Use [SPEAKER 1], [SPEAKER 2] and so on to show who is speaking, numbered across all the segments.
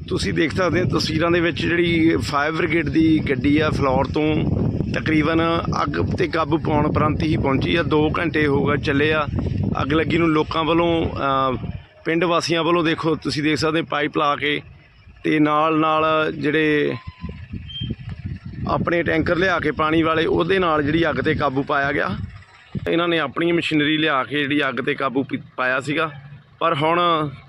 [SPEAKER 1] ਤੁਸੀਂ ਦੇਖ ਸਕਦੇ ਹੋ ਤਸਵੀਰਾਂ ਦੇ ਵਿੱਚ ਜਿਹੜੀ ਫਾਇਰ ਬ੍ਰਿਗੇਡ ਦੀ ਗੱਡੀ ਆ ਫਲੋਰ ਤੋਂ ਤਕਰੀਬਨ ਅੱਗ ਤੇ ਕਾਬੂ ਪਾਉਣ ਉਪਰੰਤ ਹੀ ਪਹੁੰਚੀ ਆ। 2 ਘੰਟੇ ਹੋ ਗਏ ਚੱਲੇ ਆ ਅੱਗ ਲੱਗੀ ਨੂੰ। ਲੋਕਾਂ ਵੱਲੋਂ ਪਿੰਡ ਵਾਸੀਆਂ ਵੱਲੋਂ ਦੇਖੋ ਤੁਸੀਂ ਦੇਖ ਸਕਦੇ ਪਾਈਪ ਲਾ ਕੇ ਤੇ ਨਾਲ ਜਿਹੜੇ ਆਪਣੇ ਟੈਂਕਰ ਲਿਆ ਕੇ ਪਾਣੀ ਵਾਲੇ ਉਹਦੇ ਨਾਲ ਜਿਹੜੀ ਅੱਗ ਤੇ ਕਾਬੂ ਪਾਇਆ ਗਿਆ। ਇਹਨਾਂ ਨੇ ਆਪਣੀ ਮਸ਼ੀਨਰੀ ਲਿਆ ਕੇ ਜਿਹੜੀ ਅੱਗ ਤੇ ਕਾਬੂ ਪਾਇਆ ਸੀਗਾ। ਪਰ ਹੁਣ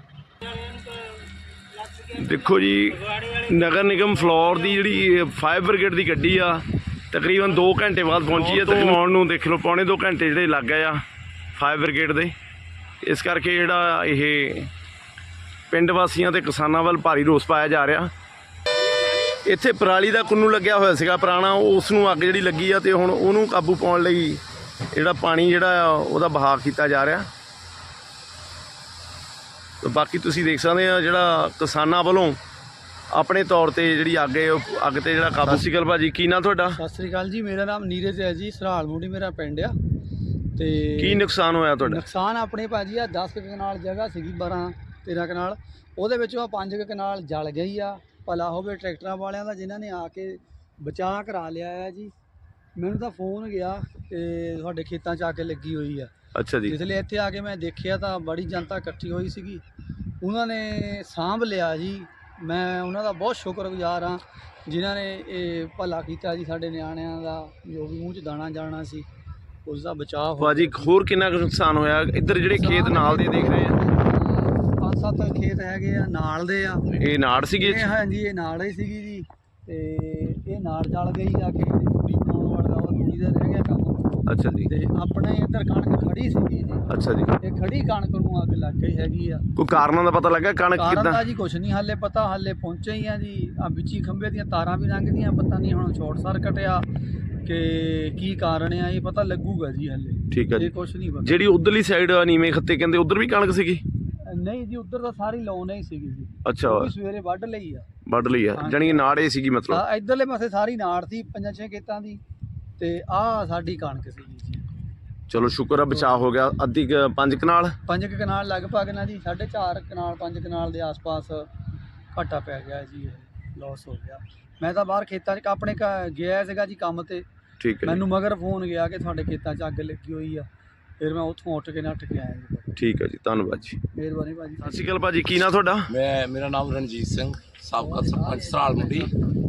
[SPEAKER 1] ਦੇਖੋ ਜੀ ਨਗਰ ਨਿਗਮ ਫਲੋਰ ਦੀ ਜਿਹੜੀ ਫਾਇਰ ਬ੍ਰਿਗੇਡ ਦੀ ਗੱਡੀ ਆ ਤਕਰੀਬਨ 2 ਘੰਟੇ ਬਾਅਦ ਪਹੁੰਚੀ ਹੈ। ਤੇ ਆਉਣ ਨੂੰ ਦੇਖ ਲਓ ਪੌਣੇ 2 ਘੰਟੇ ਜਿਹੜੇ ਲੱਗ ਗਏ ਆ ਫਾਇਰ ਬ੍ਰਿਗੇਡ ਦੇ। ਇਸ ਕਰਕੇ ਜਿਹੜਾ ਇਹ ਪਿੰਡ ਵਾਸੀਆਂ ਤੇ ਕਿਸਾਨਾਂ ਵੱਲ ਭਾਰੀ ਰੋਸ ਪਾਇਆ ਜਾ ਰਿਹਾ। ਇੱਥੇ ਪਰਾਲੀ ਦਾ ਕੁੰਨੂ ਲੱਗਿਆ ਹੋਇਆ ਸੀਗਾ ਪੁਰਾਣਾ, ਉਸ ਨੂੰ ਅੱਗ ਜਿਹੜੀ ਲੱਗੀ ਆ ਤੇ ਹੁਣ ਉਹਨੂੰ ਕਾਬੂ ਪਾਉਣ ਲਈ ਜਿਹੜਾ ਪਾਣੀ ਜਿਹੜਾ ਉਹਦਾ ਬਹਾਅ ਕੀਤਾ ਜਾ ਰਿਹਾ। ਬਾਕੀ ਤੁਸੀਂ ਦੇਖ ਸਕਦੇ ਆ ਜਿਹੜਾ ਕਿਸਾਨਾਂ ਵੱਲੋਂ ਆਪਣੇ ਤੌਰ ਤੇ ਜਿਹੜੀ ਅੱਗ ਤੇ ਜਿਹੜਾ ਕਾਬੂ। ਸਤਿ ਸ਼੍ਰੀ ਅਕਾਲ ਭਾਜੀ, ਕੀ ਨਾਂ ਤੁਹਾਡਾ?
[SPEAKER 2] ਸਤਿ ਸ਼੍ਰੀ ਅਕਾਲ ਜੀ, ਮੇਰਾ ਨਾਮ ਨੀਰਜ ਹੈ ਜੀ। ਸਰਾਲ ਮੂੜੀ ਮੇਰਾ ਪਿੰਡ ਆ। ਤੇ
[SPEAKER 1] ਕੀ ਨੁਕਸਾਨ ਹੋਇਆ ਤੁਹਾਡਾ?
[SPEAKER 2] ਨੁਕਸਾਨ ਆਪਣੇ ਭਾਜੀ ਆ 10 ਕਨਾਲ ਜਗ੍ਹਾ ਸੀਗੀ, 12-13 ਕਨਾਲ, ਉਹਦੇ ਵਿੱਚੋਂ 5 ਕਨਾਲ ਜਲ ਗਈ ਆ। ਭਲਾ ਹੋਵੇ ਟਰੈਕਟਰਾਂ ਵਾਲਿਆਂ ਦਾ ਜਿਨ੍ਹਾਂ ਨੇ ਆ ਕੇ ਬਚਾਅ ਕਰਾ ਲਿਆ ਹੈ ਜੀ। ਮੈਨੂੰ ਤਾਂ ਫੋਨ ਗਿਆ ਕਿ ਤੁਹਾਡੇ ਖੇਤਾਂ 'ਚ ਆ ਕੇ ਲੱਗੀ ਹੋਈ ਆ।
[SPEAKER 1] ਅੱਛਾ ਜੀ।
[SPEAKER 2] ਇਸ ਲਈ ਇੱਥੇ ਆ ਕੇ ਮੈਂ ਦੇਖਿਆ ਤਾਂ ਬੜੀ ਜਨਤਾ ਇਕੱਠੀ ਹੋਈ ਸੀਗੀ, ਉਹਨਾਂ ਨੇ ਸਾਂਭ ਲਿਆ ਜੀ। ਮੈਂ ਉਹਨਾਂ ਦਾ ਬਹੁਤ ਸ਼ੁਕਰਗੁਜ਼ਾਰ ਹਾਂ ਜਿਨ੍ਹਾਂ ਨੇ ਇਹ ਭਲਾ ਕੀਤਾ ਜੀ। ਸਾਡੇ ਨਿਆਣਿਆਂ ਦਾ ਜੋ ਵੀ ਮੂੰਹ 'ਚ ਦਾਣਾ ਜਾਣਾ ਸੀ ਉਸ ਦਾ ਬਚਾਅ ਹੋ।
[SPEAKER 1] ਭਾਜੀ ਹੋਰ ਕਿੰਨਾ ਕੁ ਨੁਕਸਾਨ ਹੋਇਆ? ਇੱਧਰ ਜਿਹੜੇ ਖੇਤ ਨਾਲ ਦੇ ਦੇਖ ਰਹੇ ਆ
[SPEAKER 2] 5-7 ਖੇਤ ਹੈਗੇ ਆ ਨਾਲ ਦੇ ਆ।
[SPEAKER 1] ਇਹ ਨਾੜ ਸੀਗੇ?
[SPEAKER 2] ਹਾਂਜੀ ਇਹ ਨਾੜ ਹੀ ਸੀਗੀ ਜੀ। ਤੇ ਇਹ ਨਾੜ ਜਲ ਗਈ ਜਾ ਕੇ ਤੂੜੀ ਬਣਾਉਣ ਵਾਲਾ ਉਹ ਤੂੜੀ ਦਾ ਰਹਿ ਗਿਆ ਕੰਮ।
[SPEAKER 1] ਅੱਛਾ ਜੀ।
[SPEAKER 2] ਤੇ ਆਪਣੇ ਇੱਧਰ ਕਣਕ ਖੜੀ ਸੀਗੀ ਜੀ।
[SPEAKER 1] ਅੱਛਾ ਜੀ।
[SPEAKER 2] ਇਹ ਖੜੀ ਕਣਕ ਨੂੰ ਅੱਗ ਲੱਗ ਗਈ ਹੈਗੀ ਆ।
[SPEAKER 1] ਕੋਈ ਕਾਰਨਾਂ ਦਾ ਪਤਾ ਲੱਗਾ? ਕਣਕ
[SPEAKER 2] ਕਾਰਨ
[SPEAKER 1] ਕਿੱਦਾਂ?
[SPEAKER 2] ਤਾਂ ਜੀ ਕੁਛ ਨਹੀਂ ਹਾਲੇ ਪਤਾ, ਹਾਲੇ ਪਹੁੰਚੇ ਹੀ ਆ ਜੀ। ਆ ਵਿੱਚੀ ਖੰਭੇ ਦੀਆਂ ਤਾਰਾਂ ਵੀ ਲੰਘਦੀਆਂ, ਪਤਾ ਨਹੀਂ ਹੁਣ ਸ਼ਾਰਟ ਸਰਕਟ ਆ ਕਿ ਕੀ ਕਾਰਨ ਆ, ਇਹ ਪਤਾ ਲੱਗੂਗਾ ਜੀ ਹਾਲੇ।
[SPEAKER 1] ਠੀਕ ਹੈ ਜੀ।
[SPEAKER 2] ਇਹ ਕੁਛ ਨਹੀਂ ਪਤਾ।
[SPEAKER 1] ਜਿਹੜੀ ਉਧਰਲੀ ਸਾਈਡ ਨੀਵੇਂ ਖੱਤੇ ਕਹਿੰਦੇ ਉਧਰ ਵੀ ਕਣਕ ਸੀਗੀ?
[SPEAKER 2] ਨਹੀਂ ਜੀ ਉੱਧਰ ਤਾਂ ਸਾਰੀ ਲਾਉਣ ਹੀ ਸੀਗੀ ਜੀ।
[SPEAKER 1] ਅੱਛਾ,
[SPEAKER 2] ਉਹ ਵੀ ਸਵੇਰੇ ਵੱਢ ਲਈ ਆ।
[SPEAKER 1] ਵੱਢ ਲਈ ਆ, ਜਾਣੀ ਕਿ ਨਾੜ ਇਹ ਸੀਗੀ ਮਤਲਬ?
[SPEAKER 2] ਇੱਧਰਲੇ ਪਾਸੇ ਸਾਰੀ ਨਾੜ ਸੀ 5-6 ਖੇਤਾਂ ਦੀ, ਤੇ ਆਹ ਸਾਡੀ ਕਣਕ ਸੀਗੀ ਜੀ।
[SPEAKER 1] ਚਲੋ ਸ਼ੁਕਰ ਆ ਬਚਾਅ ਹੋ ਗਿਆ। ਅੱਧੀ 5 ਕਨਾਲ
[SPEAKER 2] 5 ਕਨਾਲ ਲਗਭਗ ਨਾ ਜੀ, 4.5 ਕਨਾਲ 5 ਕਨਾਲ ਦੇ ਆਸ-ਪਾਸ ਘਾਟਾ ਪੈ ਗਿਆ ਜੀ, ਲਾਸ ਹੋ ਗਿਆ। ਮੈਂ ਤਾਂ ਬਾਹਰ ਖੇਤਾਂ 'ਚ ਆਪਣੇ ਗਿਆ ਸੀਗਾ ਜੀ ਕੰਮ ਤੇ।
[SPEAKER 1] ਠੀਕ ਹੈ।
[SPEAKER 2] ਮੈਨੂੰ ਮਗਰ ਫੋਨ ਗਿਆ ਕਿ ਤੁਹਾਡੇ ਖੇਤਾਂ 'ਚ ਅੱਗ ਲੱਗੀ ਹੋਈ ਆ। ਫਿਰ ਮੈਂ ਉੱਥੋਂ ਉੱਠ ਕੇ ਨੱਠ ਕੇ ਆਇਆ ਜੀ।
[SPEAKER 1] ਠੀਕ ਹੈ ਜੀ, ਧੰਨਵਾਦ ਜੀ,
[SPEAKER 2] ਮਿਹਰਬਾਨੀ ਭਾਜੀ।
[SPEAKER 1] ਸਤਿ ਸ਼੍ਰੀ ਅਕਾਲ ਭਾਜੀ, ਕੀ ਨਾਂ ਤੁਹਾਡਾ?
[SPEAKER 3] ਮੇਰਾ ਨਾਮ ਰਣਜੀਤ ਸਿੰਘ, ਸਾਬਕਾ ਸਰਪੰਚ ਸਰਾਲ ਮੰਡੀ।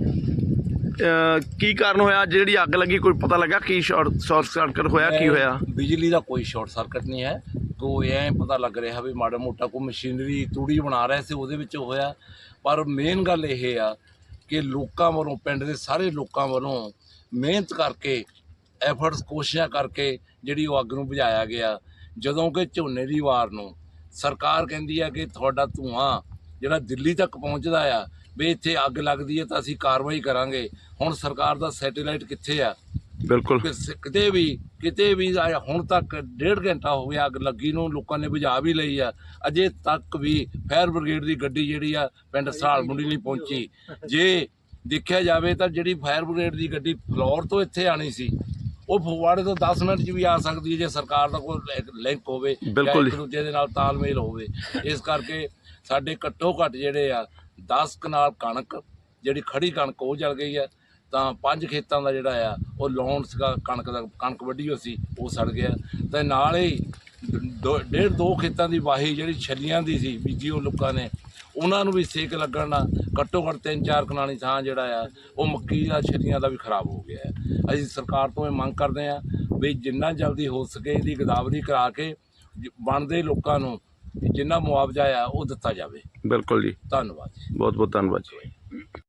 [SPEAKER 1] ਕੀ ਕਾਰਨ ਹੋਇਆ ਜਿਹੜੀ ਅੱਗ ਲੱਗੀ? ਕੋਈ ਪਤਾ ਲੱਗਾ ਕੀ ਸ਼ਾਰਟ ਸਰਕਟ ਹੋਇਆ, ਕੀ ਹੋਇਆ?
[SPEAKER 3] ਬਿਜਲੀ ਦਾ ਕੋਈ ਸ਼ਾਰਟ ਸਰਕਟ ਨਹੀਂ ਹੈ। ਕੋਈ ਐਂ ਪਤਾ ਲੱਗ ਰਿਹਾ ਵੀ ਮਾੜਾ ਮੋਟਾ ਕੋਈ ਮਸ਼ੀਨਰੀ ਤੂੜੀ ਬਣਾ ਰਿਹਾ ਸੀ ਉਹਦੇ ਵਿੱਚ ਹੋਇਆ। ਪਰ ਮੇਨ ਗੱਲ ਇਹ ਆ ਕਿ ਲੋਕਾਂ ਵੱਲੋਂ, ਪਿੰਡ ਦੇ ਸਾਰੇ ਲੋਕਾਂ ਵੱਲੋਂ ਮਿਹਨਤ ਕਰਕੇ, ਐਫਰਟਸ, ਕੋਸ਼ਿਸ਼ਾਂ ਕਰਕੇ ਜਿਹੜੀ ਉਹ ਅੱਗ ਨੂੰ ਬੁਝਾਇਆ ਗਿਆ। ਜਦੋਂ ਕਿ ਝੋਨੇ ਦੀ ਵਾਰ ਨੂੰ ਸਰਕਾਰ ਕਹਿੰਦੀ ਆ ਕਿ ਤੁਹਾਡਾ ਧੂੰਆਂ ਜਿਹੜਾ ਦਿੱਲੀ ਤੱਕ ਪਹੁੰਚਦਾ ਆ, ਵੀ ਇੱਥੇ ਅੱਗ ਲੱਗਦੀ ਹੈ ਤਾਂ ਅਸੀਂ ਕਾਰਵਾਈ ਕਰਾਂਗੇ। ਹੁਣ ਸਰਕਾਰ ਦਾ ਸੈਟੇਲਾਈਟ ਕਿੱਥੇ ਆ?
[SPEAKER 1] ਬਿਲਕੁਲ
[SPEAKER 3] ਕਿਤੇ ਵੀ ਹੁਣ ਤੱਕ 1.5 ਘੰਟਾ ਹੋ ਗਿਆ ਅੱਗ ਲੱਗੀ ਨੂੰ, ਲੋਕਾਂ ਨੇ ਬੁਝਾ ਵੀ ਲਈ ਆ। ਅਜੇ ਤੱਕ ਵੀ ਫਾਇਰ ਬ੍ਰਿਗੇਡ ਦੀ ਗੱਡੀ ਜਿਹੜੀ ਆ ਪਿੰਡ ਸਰਾਲ ਮੰਡੀ ਨਹੀਂ ਪਹੁੰਚੀ। ਜੇ ਦੇਖਿਆ ਜਾਵੇ ਤਾਂ ਜਿਹੜੀ ਫਾਇਰ ਬ੍ਰਿਗੇਡ ਦੀ ਗੱਡੀ ਫਲੋਰ ਤੋਂ ਇੱਥੇ ਆਣੀ ਸੀ, ਉਹ ਫਗਵਾੜੇ ਤੋਂ 10 ਮਿੰਟ 'ਚ ਵੀ ਆ ਸਕਦੀ ਹੈ ਜੇ ਸਰਕਾਰ ਦਾ ਕੋਈ ਲਿੰਕ ਹੋਵੇ,
[SPEAKER 1] ਬਿਲਕੁਲ
[SPEAKER 3] ਇੱਕ ਦੂਜੇ ਦੇ ਨਾਲ ਤਾਲਮੇਲ ਹੋਵੇ। ਇਸ ਕਰਕੇ ਸਾਡੇ ਘੱਟੋ ਘੱਟ ਜਿਹੜੇ ਆ 10 ਕਨਾਲ ਕਣਕ, ਜਿਹੜੀ ਖੜੀ ਕਣਕ ਉਹ ਜਲ ਗਈ ਆ। ਤਾਂ 5 ਖੇਤਾਂ ਦਾ ਜਿਹੜਾ ਆ ਉਹ ਲਾਉਣ ਸੀਗਾ ਕਣਕ ਵੱਢੀ ਹੋਈ ਸੀ, ਉਹ ਸੜ ਗਿਆ। ਅਤੇ ਨਾਲ ਹੀ 1.5-2 ਖੇਤਾਂ ਦੀ ਵਾਹੀ ਜਿਹੜੀ ਛੱਲੀਆਂ ਦੀ ਸੀ ਬੀਜੀ, ਉਹ ਲੋਕਾਂ ਨੇ ਉਹਨਾਂ ਨੂੰ ਵੀ ਸੇਕ ਲੱਗਣ ਨਾਲ ਘੱਟੋ ਘੱਟ 3-4 ਕਨਾਲੀ ਥਾਂ ਜਿਹੜਾ ਆ ਉਹ ਮੱਕੀ ਦਾ, ਛੱਲੀਆਂ ਦਾ ਵੀ ਖਰਾਬ ਹੋ ਗਿਆ। ਅਸੀਂ ਸਰਕਾਰ ਤੋਂ ਇਹ ਮੰਗ ਕਰਦੇ ਹਾਂ ਵੀ ਜਿੰਨਾ ਜਲਦੀ ਹੋ ਸਕੇ ਇਹਦੀ ਗਦਾਵਰੀ ਕਰਾ ਕੇ ਬਣਦੇ ਲੋਕਾਂ ਨੂੰ ਜਿੰਨਾ ਮੁਆਵਜ਼ਾ ਆ ਉਹ ਦਿੱਤਾ ਜਾਵੇ।
[SPEAKER 1] ਬਿਲਕੁਲ ਜੀ,
[SPEAKER 3] ਧੰਨਵਾਦ ਜੀ,
[SPEAKER 1] ਬਹੁਤ ਬਹੁਤ ਧੰਨਵਾਦ ਜੀ।